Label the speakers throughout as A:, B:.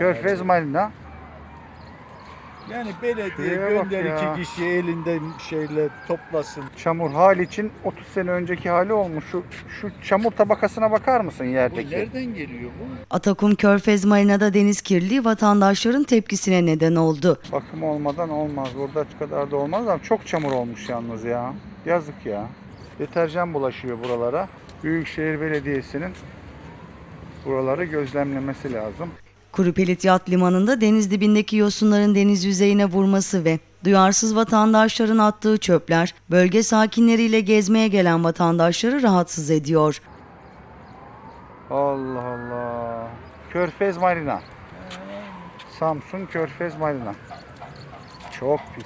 A: Körfez Marina.
B: Yani belediye
A: Şuraya bak
B: gönder
A: ya.
B: iki kişi elinde şeyle toplasın.
A: Çamur Haliç'in 30 sene önceki hali olmuş. Şu çamur tabakasına bakar mısın
B: Bu
A: yerdeki?
B: nereden geliyor bu?
C: Atakum Körfez Marina'da deniz kirliliği vatandaşların tepkisine neden oldu.
A: Bakım olmadan olmaz. Burada şu kadar da olmaz ama çok çamur olmuş yalnız ya. Yazık ya. Deterjan bulaşıyor buralara. Büyükşehir Belediyesi'nin buraları gözlemlemesi lazım.
C: Kurupelit Yat Limanı'nda deniz dibindeki yosunların deniz yüzeyine vurması ve duyarsız vatandaşların attığı çöpler bölge sakinleriyle gezmeye gelen vatandaşları rahatsız ediyor.
A: Allah Allah. Körfez Marina. Samsun Körfez Marina. Çok pis.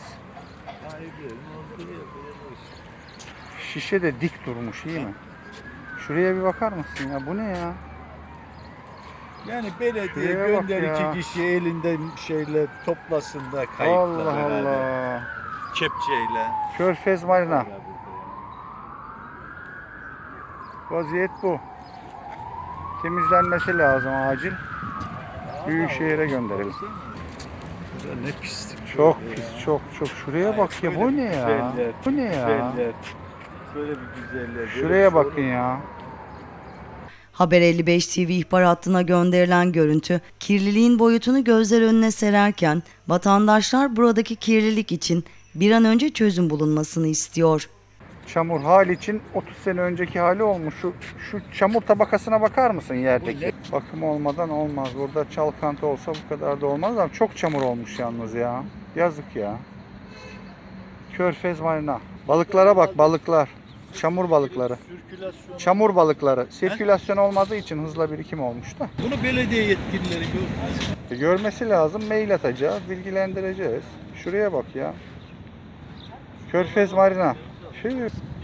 A: Şişe de dik durmuş, iyi mi? Şuraya bir bakar mısın ya? Bu ne ya?
B: Yani belediye
A: Şuraya bak
B: gönder
A: ya.
B: iki kişi elinde şeyle toplasın da kayıkla
A: Allah
B: beraber.
A: Allah.
B: Kepçeyle.
A: Körfez Marina. Vaziyet bu. Temizlenmesi lazım acil. Büyükşehir'e gönderelim.
B: Burada ne pislik.
A: Çok
B: şöyle
A: pis,
B: ya.
A: çok çok. Şuraya bak ya. Bu ne ya?
B: Güzeller,
A: Bu ne ya?
B: güzeller. Şöyle bir güzeller. böyle
A: Şuraya
B: bir şey
A: bakın
B: olur mu?
A: ya.
C: Haber 55 TV ihbar hattına gönderilen görüntü kirliliğin boyutunu gözler önüne sererken vatandaşlar buradaki kirlilik için bir an önce çözüm bulunmasını istiyor.
A: Çamur Haliç'in 30 sene önceki hali olmuş. Şu çamur tabakasına bakar mısın yerdeki? Bakım olmadan olmaz. Burada çalkantı olsa bu kadar da olmaz ama çok çamur olmuş yalnız ya. Yazık ya. Körfez Marina. Balıklara bak, balıklar. Çamur balıkları.
B: Sirkülasyon.
A: Çamur balıkları. Sirkülasyon olmadığı için hızla birikim olmuş da.
B: Bunu belediye yetkilileri görmez.
A: Görmesi lazım. Mail atacağız. Bilgilendireceğiz. Şuraya bak ya. Körfez Marina.